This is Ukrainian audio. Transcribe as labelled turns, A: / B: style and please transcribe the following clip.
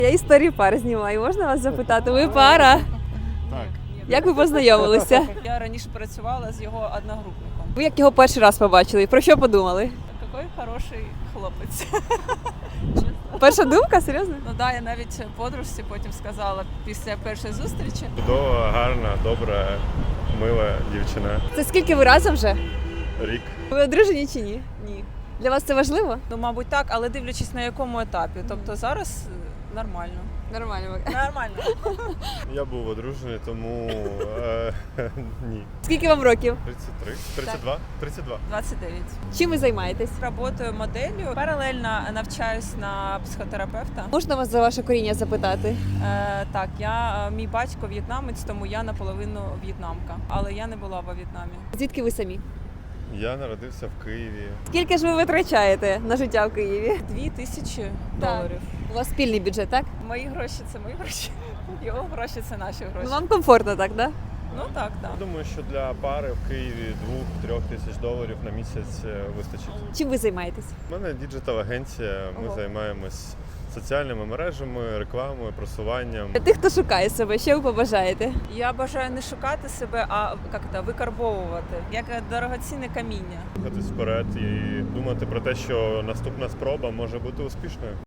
A: Я історії пар знімаю, можна вас запитати? Ви пара?
B: Так.
A: Як ви познайомилися?
C: Я раніше працювала з його одногрупником.
A: Ви як його перший раз побачили? Про що подумали?
C: Який хороший хлопець.
A: Перша думка? Серйозно?
C: Ну да, я навіть подружці потім сказала після першої зустрічі.
B: Чудова, гарна, добра, мила дівчина.
A: Це скільки ви разом вже?
B: Рік.
A: Ви одружені чи ні?
C: Ні.
A: Для вас це важливо?
C: Ну, мабуть, так, але дивлячись на якому етапі. Тобто зараз нормально.
A: Нормально.
C: Нормально.
B: Я був одружений, тому ні.
A: Скільки вам років?
B: 33? 32? 32.
C: 29.
A: Чим ви займаєтесь?
C: Работаю моделлю. Паралельно навчаюсь на психотерапевта.
A: Можна вас за ваше коріння запитати?
C: Так, мій батько в'єтнамець, тому я наполовину в'єтнамка. Але я не була во В'єтнамі.
A: Звідки ви самі?
B: Я народився в Києві.
A: Скільки ж ви витрачаєте на життя в Києві?
C: $2000.
A: У вас спільний бюджет, так?
C: Мої гроші це мої гроші. Його гроші це наші гроші.
A: Ну, вам комфортно, так, да?
C: Ну так, так.
B: Думаю, що для пари в Києві $2-3 тисяч на місяць вистачить.
A: Чим ви займаєтесь?
B: У мене діджитал-агенція, ми
A: Ого.
B: займаємось соціальними мережами, рекламою, просуванням.
A: Для тих, хто шукає себе, що ви побажаєте?
C: Я бажаю не шукати себе, а викарбовувати, як дорогоцінне каміння.
B: Рухатись вперед і думати про те, що наступна спроба може бути успішною.